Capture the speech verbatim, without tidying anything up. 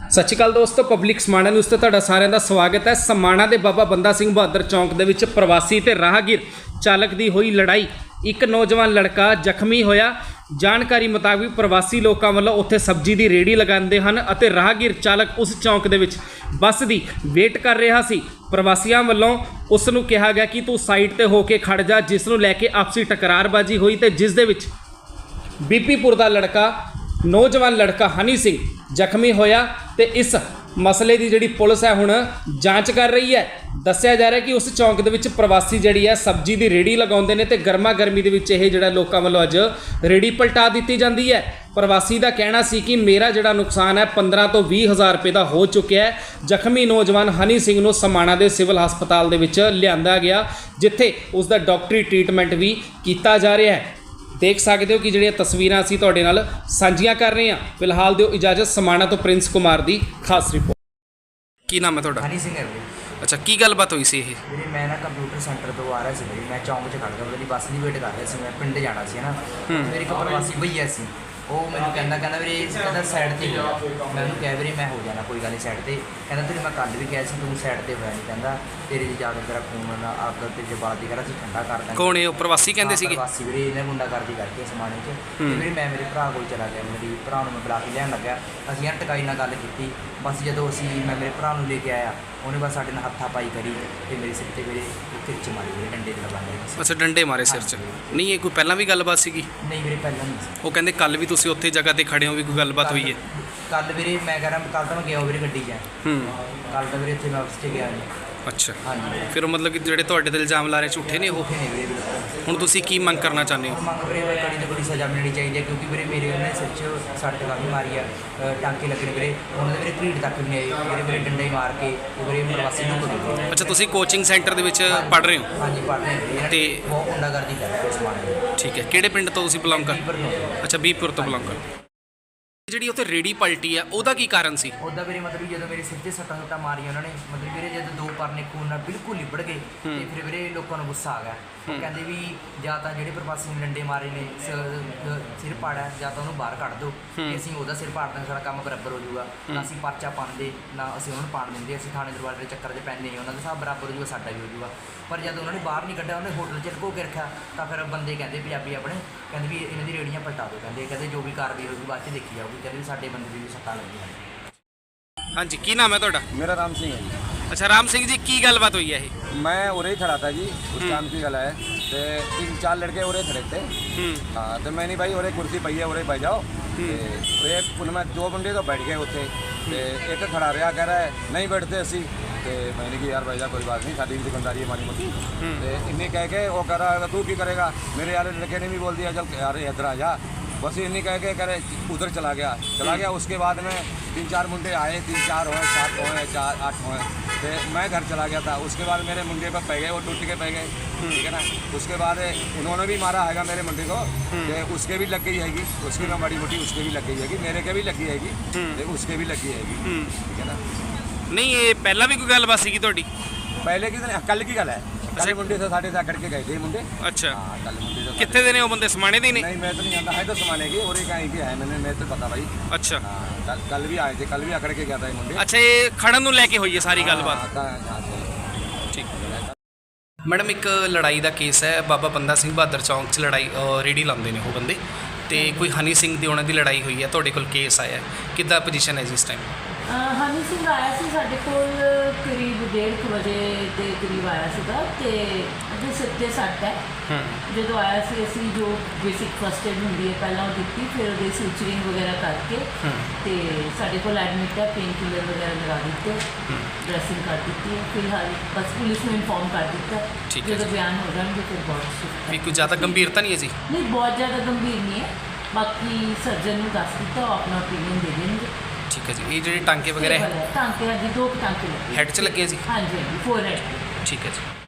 ਸਤਿ ਸ਼੍ਰੀ ਅਕਾਲ ਦੋਸਤੋ, public Samana news ਤੇ ਤੁਹਾਡਾ ਸਾਰਿਆਂ ਦਾ ਸਵਾਗਤ ਹੈ। ਸਮਾਣਾ ਦੇ ਬਾਬਾ ਬੰਦਾ ਸਿੰਘ ਬਹਾਦਰ ਚੌਂਕ ਦੇ ਵਿੱਚ ਪ੍ਰਵਾਸੀ ਤੇ ਰਾਹਗੀਰ ਚਾਲਕ ਦੀ ਹੋਈ ਲੜਾਈ। ਇੱਕ ਨੌਜਵਾਨ ਲੜਕਾ ਜ਼ਖਮੀ ਹੋਇਆ। ਜਾਣਕਾਰੀ ਮੁਤਾਬਿਕ ਪ੍ਰਵਾਸੀ ਲੋਕਾਂ ਵੱਲੋਂ ਉੱਥੇ ਸਬਜ਼ੀ ਦੀ ਰੇਹੜੀ ਲਗਾਉਂਦੇ ਹਨ ਅਤੇ ਰਾਹਗੀਰ ਚਾਲਕ ਉਸ ਚੌਂਕ ਦੇ ਵਿੱਚ ਬੱਸ ਦੀ ਵੇਟ ਕਰ ਰਿਹਾ ਸੀ। ਪ੍ਰਵਾਸੀਆਂ ਵੱਲੋਂ ਉਸ ਨੂੰ ਕਿਹਾ ਗਿਆ ਕਿ ਤੂੰ ਸਾਈਡ ਤੇ ਹੋ ਕੇ ਖੜ ਜਾ, ਜਿਸ ਨੂੰ ਲੈ ਕੇ ਆਪਸੀ ਟਕਰਾਰਬਾਜ਼ੀ ਹੋਈ ਤੇ ਜਿਸ ਦੇ ਵਿੱਚ ਬੀਪੀਪੁਰ ਦਾ ਲੜਕਾ ਨੌਜਵਾਨ ਲੜਕਾ ਹਨੀ ਸਿੰਘ ਜ਼ਖਮੀ ਹੋਇਆ ਤੇ ਇਸ ਮਸਲੇ ਦੀ ਜਿਹੜੀ ਪੁਲਿਸ ਹੈ ਹੁਣ ਜਾਂਚ ਕਰ ਰਹੀ ਹੈ। ਦੱਸਿਆ ਜਾ ਰਿਹਾ ਕਿ ਉਸ ਚੌਂਕ ਦੇ ਵਿੱਚ ਪ੍ਰਵਾਸੀ ਜਿਹੜੀ ਹੈ ਸਬਜ਼ੀ ਦੀ ਰੇਹੜੀ ਲਗਾਉਂਦੇ ਨੇ ਤੇ ਗਰਮਾ ਗਰਮੀ ਦੇ ਵਿੱਚ ਇਹ ਜਿਹੜਾ ਲੋਕਾਂ ਵੱਲੋਂ ਅੱਜ ਰੇਹੜੀ ਪਲਟਾ ਦਿੱਤੀ ਜਾਂਦੀ ਹੈ। ਪ੍ਰਵਾਸੀ ਦਾ ਕਹਿਣਾ ਸੀ ਕਿ ਮੇਰਾ ਜਿਹੜਾ ਨੁਕਸਾਨ ਹੈ ਪੰਦਰਾਂ ਤੋਂ ਵੀਹ ਹਜ਼ਾਰ ਰੁਪਏ ਦਾ ਹੋ ਚੁੱਕਿਆ ਹੈ। ਜ਼ਖਮੀ ਨੌਜਵਾਨ ਹਨੀ ਸਿੰਘ ਨੂੰ ਸਮਾਣਾ ਦੇ ਸਿਵਲ ਹਸਪਤਾਲ ਦੇ ਵਿੱਚ ਲਿਆਂਦਾ ਗਿਆ, ਜਿੱਥੇ ਉਸ ਦਾ ਡਾਕਟਰੀ ਟ੍ਰੀਟਮੈਂਟ ਵੀ ਕੀਤਾ ਜਾ ਰਿਹਾ ਹੈ। देख सकते हो कि ਜਿਹੜੀਆਂ ਤਸਵੀਰਾਂ ਅਸੀਂ ਤੁਹਾਡੇ ਨਾਲ ਸਾਂਝੀਆਂ ਕਰ ਰਹੇ ਹਾਂ। ਫਿਲਹਾਲ ਦਿਓ ਇਜਾਜ਼ਤ। ਸਮਾਣਾ ਤੋਂ ਪ੍ਰਿੰਸ ਕੁਮਾਰ ਦੀ ਖਾਸ ਰਿਪੋਰਟ। ਕੀ ਨਾਮ ਹੈ ਤੁਹਾਡਾ? ਹਨੀ ਸਿੰਘ ਹੈ ਵੀਰੇ। ਅੱਛਾ, ਕੀ ਗੱਲਬਾਤ ਹੋਈ ਸੀ ਇਹ? ਵੀਰੇ ਮੈਂ ਨਾ ਕੰਪਿਊਟਰ ਸੈਂਟਰ ਤੋਂ ਆ ਰਿਹਾ ਸੀ ਵੀਰੇ, ਮੈਂ ਚੌਂਕ 'ਚ ਖੜ੍ਹ ਗਿਆ, ਉਹਦੀ ਬੱਸ ਦੀ ਵੇਟ ਕਰ ਰਿਹਾ ਸੀ, ਮੈਂ ਪਿੰਡ ਜਾਣਾ ਸੀ ਨਾ। ਮੇਰੀ ਇੱਕ ਪ੍ਰਵਾਸੀ ਭਈਆ ਸੀ, ਉਹ ਮੈਨੂੰ ਕਹਿੰਦਾ ਕਹਿੰਦਾ ਵੀਰੇ ਕਹਿੰਦਾ ਸਾਈਡ 'ਤੇ ਹੋ ਜਾ। ਮੈਂ ਉਹਨੂੰ ਕਿਹਾ ਵੀਰੇ ਮੈਂ ਹੋ ਜਾਣਾ, ਕੋਈ ਗੱਲ ਨਹੀਂ ਸਾਈਡ 'ਤੇ। ਕਹਿੰਦਾ ਤੇਰੇ ਮੈਂ ਕੱਲ੍ਹ ਵੀ ਕਿਹਾ ਸੀ ਤੂੰ ਸਾਈਡ 'ਤੇ ਹੋਇਆ ਨਹੀਂ, ਕਹਿੰਦਾ ਤੇਰੇ ਜੀ ਜਾ ਕੇ ਤੇਰਾ ਖੂਨ ਆਪਦਾ ਤੇ ਜਵਾਬ ਦੀ ਕਰਾ ਸੀ ਠੰਡਾ ਕਰ ਦਾਂਗੇ। ਕੌਣ ਇਹ ਉਹ ਪ੍ਰਵਾਸੀ ਕਹਿੰਦੇ ਸੀਗੇ? ਪ੍ਰਵਾਸੀ ਵੀਰੇ, ਇਹਨੇ ਗੁੰਡਾਗਰਦੀ ਕਰਕੇ ਸਮਾਣੇ 'ਚ। ਤੇ ਵੀਰੇ ਮੈਂ ਮੇਰੇ ਭਰਾ ਕੋਲ ਚਲਾ ਗਿਆ, ਮੇਰੀ ਭਰਾ ਨੂੰ ਮੈਂ ਬੁਲਾ ਕੇ ਲਿਆਉਣ ਲੱਗਾ। ਅਸੀਂ ਯਾਰ ਟਕਾਈ ਨਾਲ ਗੱਲ ਕੀਤੀ। ਬਸ ਜਦੋਂ ਅਸੀਂ ਮੈਂ ਮੇਰੇ ਭਰਾ ਨੂੰ ਲੈ ਕੇ ਆਇਆ, ਉਹਨੇ ਬਸ ਸਾਡੇ ਨਾਲ ਹੱਥਾਂ ਪਾਈ ਕਰੀ ਤੇ ਮੇਰੇ ਸਿਰ 'ਤੇ ਵੀਰੇ ਕਿਰਚ ਮਾਰੀ ਵੀਰੇ, ਡੰਡੇ ਤੇ ਲਗਾਉਂਦੇ। ਅੱਛਾ, ਡੰਡੇ ਮਾਰੇ ਸਿਰ 'ਚ? ਨਹੀਂ, ਇਹ ਕੋਈ ਪਹਿਲਾਂ ਵੀ ਗੱਲਬਾਤ ਸੀਗੀ? ਨਹੀਂ ਵੀਰੇ, ਪਹਿਲਾਂ ਨਹੀਂ ਸੀ। ਉਹ ਕਹਿੰਦੇ ਕੱਲ ਵੀ ਤੁਸੀਂ ਉੱਥੇ ਜਗ੍ਹਾ ਤੇ ਖੜੇ ਹੋ, ਵੀ ਕੋਈ ਗੱਲਬਾਤ ਹੋਈ ਹੈ? ਕੱਲ ਵੀਰੇ ਮੈਂ ਕਹਿ ਰਿਹਾ ਕੱਲ ਤਾਂ ਮੈਂ ਗਿਆ ਵੀਰੇ ਗੱਡੀ 'ਚ। ਹੂੰ, ਕੱਲ ਤਾਂ ਵੀਰੇ ਇੱਥੇ ਮੈਂ ਆਫਿਸ 'ਚ ਗਿਆ ਨਹੀਂ। ਅੱਛਾ, ਹਾਂਜੀ। ਫਿਰ ਉਹ ਮਤਲਬ ਕਿ ਜਿਹੜੇ ਤੁਹਾਡੇ ਤੇ ਇਲਜ਼ਾਮ ਲਾ ਰਹੇ ਝੂਠੇ ਨੇ ਉਹ? ਉੱਥੇ ਨਹੀਂ ਵੀਰੇ ਬਿਲਕੁਲ। ਹੁਣ ਤੁਸੀਂ ਕੀ ਮੰਗ ਕਰਨਾ ਚਾਹੁੰਦੇ ਹੋ? ਮੰਗ ਵੀਰੇ ਮੈਂ ਕੜੀ ਤੋਂ ਕੜੀ ਸਜ਼ਾ ਮਿਲਣੀ ਚਾਹੀਦੀ ਹੈ, ਕਿਉਂਕਿ ਵੀਰੇ ਮੇਰੇ ਉਹਨੇ ਸਿਰ 'ਚ ਸੱਟ ਕਾਫੀ ਮਾਰੀ ਆ, ਟਾਂਕੇ ਲੱਗਣੇ ਵੀਰੇ। ਉਹਨਾਂ ਦੇ ਵੀਰੇ ਕਰੀਟ ਤੱਕ ਵੀ ਨਹੀਂ ਆਏ ਵੀਰੇ, ਵੀਰੇ ਡੰਡੇ ਮਾਰ ਕੇ ਵੀਰੇ ਪ੍ਰਵਾਸੀ ਨੂੰ ਕੋਲ। ਅੱਛਾ, ਤੁਸੀਂ ਕੋਚਿੰਗ ਸੈਂਟਰ ਦੇ ਵਿੱਚ ਪੜ੍ਹ ਰਹੇ ਹੋ? ਹਾਂਜੀ, ਪੜ੍ਹ ਰਹੇ ਵੀਰੇ। ਤੇ ਬਹੁਤ ਗੁੰਡਾਗਰਦੀ ਕਰ ਰਹੇ ਸਮਾਨ। ਠੀਕ ਹੈ, ਕਿਹੜੇ ਪਿੰਡ ਤੋਂ ਤੁਸੀਂ ਬਿਲੋਂਗ ਕਰ? ਪਰ ਅੱਛਾ, ਬੀਪੁਰ ਤੋਂ ਬਿਲੋਂਗ ਕਰ। ਜਿਹੜੀ ਉੱਥੇ ਰੇੜੀ ਪਲਟੀ ਆ ਉਹਦਾ ਕੀ ਕਾਰਨ ਸੀ? ਉਹਦਾ ਵੀਰੇ ਮਤਲਬ ਜਦੋਂ ਮੇਰੇ ਸਿਰ 'ਤੇ ਸੱਟਾਂ ਸੁੱਟਾਂ ਮਾਰੀਆਂ ਉਹਨਾਂ ਨੇ, ਮਤਲਬ ਵੀਰੇ ਜਦੋਂ ਦੋ ਪਰਨੇ ਖੂਨ ਨਾਲ ਬਿਲਕੁਲ ਲਿਬੜ ਗਏ ਤੇ ਫਿਰ ਵੀਰੇ ਲੋਕਾਂ ਨੂੰ ਗੁੱਸਾ ਆ ਗਿਆ। ਕਹਿੰਦੇ ਵੀ ਜਾਂ ਤਾਂ ਜਿਹੜੇ ਪ੍ਰਵਾਸੀ ਨੇ ਡੰਡੇ ਮਾਰੇ ਨੇ ਸਿਰ ਪਾੜਿਆ, ਜਾਂ ਤਾਂ ਉਹਨੂੰ ਬਾਹਰ ਕੱਢ ਦਿਓ, ਕਿ ਅਸੀਂ ਉਹਦਾ ਸਿਰ ਪਾੜ ਦਾਂਗੇ, ਸਾਡਾ ਕੰਮ ਬਰਾਬਰ ਹੋ ਜਾਊਗਾ। ਨਾ ਅਸੀਂ ਪਰਚਾ ਪਾਉਂਦੇ, ਨਾ ਅਸੀਂ ਉਹਨਾਂ ਨੂੰ ਪਾਣ ਦਿੰਦੇ, ਅਸੀਂ ਥਾਣੇ ਦਰਬਾਰ ਦੇ ਚੱਕਰ 'ਚ ਪੈਂਦੇ ਨਹੀਂ, ਉਹਨਾਂ ਦਾ ਹਿਸਾਬ ਬਰਾਬਰ ਹੋ ਜਾਊਗਾ, ਸਾਡਾ ਵੀ ਹੋ ਜਾਊਗਾ। ਪਰ ਜਦ ਉਹਨਾਂ ਨੇ ਬਾਹਰ ਨਹੀਂ ਕੱਢਿਆ, ਉਹਨੇ ਹੋਟਲ 'ਚ ਲੁਕੋ ਕੇ ਰੱਖਿਆ, ਤਾਂ ਫਿਰ ਬੰਦੇ ਕਹਿੰਦੇ ਪੰਜਾਬੀ ਆਪਣੇ ਕਹਿੰਦੇ ਵੀ ਇਹਨਾਂ ਦੀ ਰੇੜੀਆਂ ਪਲਟਾ ਦਿਓ। ਕਹਿੰਦੇ ਕਹਿੰਦੇ ਜੋ ਵੀ ਕਾਰਵਾਈ ਹੋਊਗੀ ਬਾਅਦ 'ਚ ਦੇਖੀ ਜਾਊਗੀ। ਕਹਿੰਦੇ ਵੀ ਸਾਡੇ ਬੰਦੇ ਦੀ ਵੀ ਸੱਟਾਂ ਲੱਗੀਆਂ। ਹਾਂਜੀ, ਕੀ ਨਾਮ ਹੈ ਤੁਹਾਡਾ? मेरा राम सिंह है जी। ਅੱਛਾ, ਰਾਮ ਸਿੰਘ ਜੀ, ਕੀ ਗੱਲਬਾਤ ਹੋਈ ਹੈ ਇਹ? मैं उरे ही खड़ा था जी, उस टाइम की गल है। तो तीन चार लड़के उरे खड़े थे। हाँ, तो मैंने भाई उरे कुर्सी पई है, उरे बैठ जाओ। तो एक उनमें दो बंदे तो बैठ गए उत्थे, तो एक खड़ा रहा, कह रहा है नहीं बैठते असी। तो मैंने कहा यार भाई कोई बात नहीं, साड़ी भी दुकानदारी है माड़ी मोटी। तो इन्हें कह के वो कह रहा तू की करेगा? मेरे यार लड़के ने भी बोल दिया चल यार इधर आ जा। बस इन्हीं कह के करे उधर चला गया चला गया उसके बाद में तीन चार मुंडे आए, तीन चार होए, सात होए, चार आठ होए। तो मैं घर चला गया था। उसके बाद मेरे मुंडे पर पै गए, वो टूट के पै गए, ठीक है ना। उसके बाद उन्होंने भी मारा हैगा मेरे मुंडे को, तो उसके भी लग गई हैगी, उसकी ना बड़ी मोटी उसके भी लग गई हैगी, मेरे के भी लगी हैगी, तो उसके भी लगी हैगी, ठीक है ना। ਨਹੀਂ, ਇਹ ਪਹਿਲਾਂ ਵੀ ਕੋਈ ਗੱਲਬਾਤ ਸੀਗੀ ਤੁਹਾਡੀ? पहले की कल की गल है। कल मुंडे से साढ़े से करके गए थे मुंडे। ਅੱਛਾ, हाँ, कल मुंडे से ਕਿੱਥੇ ਦੇ ਨੇ ਉਹ ਬੰਦੇ? ਸਮਾਣੇ ਦੇ ਨੇ? नहीं, मैं तो नहीं जानता है, तो समाने की और कहीं की है, मैंने मैं तो पता भाई। ਅੱਛਾ, हाँ, कल कल भी आए थे, कल भी अकड़ के गया था ये मुंडे। ਅੱਛਾ, ਇਹ ਖੜਨ ਨੂੰ ਲੈ ਕੇ ਹੋਈ ਹੈ ਸਾਰੀ ਗੱਲਬਾਤ? हाँ, हाँ, हाँ, ਠੀਕ। ਮੈਡਮ, ਇੱਕ ਲੜਾਈ ਦਾ ਕੇਸ ਹੈ ਬਾਬਾ ਬੰਦਾ ਸਿੰਘ ਬਹਾਦਰ ਚੌਂਕ 'ਚ। ਲੜਾਈ ਰੇੜੀ ਲਾਉਂਦੇ ਨੇ ਉਹ ਬੰਦੇ, ਤੇ ਕੋਈ ਹਨੀ ਸਿੰਘ ਦੀ ਉਹਨਾਂ ਦੀ ਲੜਾਈ ਹੋਈ ਹੈ। ਤੁਹਾਡੇ ਕੋਲ ਕੇਸ ਆਇਆ, ਕਿੱਦਾਂ ਪੋਜੀਸ਼ਨ ਹੈ ਜੀ ਇਸ ਟਾਈਮ? ਹਨੀ ਸਿੰਘ ਆਇਆ ਸੀ ਸਾਡੇ ਕੋਲ ਕਰੀਬ ਡੇਢ ਕੁ ਵਜੇ ਦੇ ਕਰੀਬ ਆਇਆ ਸੀਗਾ, ਤੇ ਉਹਦੇ ਸਿਰ 'ਤੇ ਸੱਟ ਹੈ। ਜਦੋਂ ਆਇਆ ਸੀ ਅਸੀਂ ਜੋ ਬੇਸਿਕ ਫਸਟ ਏਡ ਹੁੰਦੀ ਹੈ ਪਹਿਲਾਂ ਉਹ ਦਿੱਤੀ, ਫਿਰ ਉਹਦੇ ਸੂਚਰਿੰਗ ਵਗੈਰਾ ਕਰਕੇ ਤੇ ਸਾਡੇ ਕੋਲ ਐਡਮਿਟ ਹੈ, ਪੇਨ ਕਿਲਰ ਵਗੈਰਾ ਲਗਾ ਦਿੱਤੇ, ਡਰੈਸਿੰਗ ਕਰ ਦਿੱਤੀ ਹੈ। ਫਿਲਹਾਲ ਬਸ ਪੁਲਿਸ ਨੂੰ ਇਨਫੋਰਮ ਕਰ ਦਿੱਤਾ, ਜਦੋਂ ਬਿਆਨ ਹੋ ਜਾਣਗੇ ਫਿਰ ਬਹੁਤ ਸ਼ਿਫਟ। ਵੀ ਕੋਈ ਜ਼ਿਆਦਾ ਗੰਭੀਰਤਾ ਨਹੀਂ ਹੈ ਜੀ? ਨਹੀਂ, ਬਹੁਤ ਜ਼ਿਆਦਾ ਗੰਭੀਰ ਨਹੀਂ ਹੈ। ਬਾਕੀ ਸਰਜਨ ਨੂੰ ਦੱਸ ਦਿੱਤਾ, ਉਹ ਆਪਣਾ ਓਪੀਨੀਅਨ ਦੇ ਦੇਣਗੇ। ਠੀਕ ਹੈ ਜੀ। ਇਹ ਜਿਹੜੇ ਟਾਂਕੇ ਵਗੈਰਾ ਹੈ? ਟਾਂਕੇ ਹਾਂਜੀ, ਦੋ ਟਾਂਕੇ ਲੱਗੇ। ਹੈਡ 'ਚ ਲੱਗੇ ਜੀ? ਹਾਂਜੀ ਹਾਂਜੀ, ਫੋਰ ਹੈਡ। ਠੀਕ ਹੈ ਜੀ।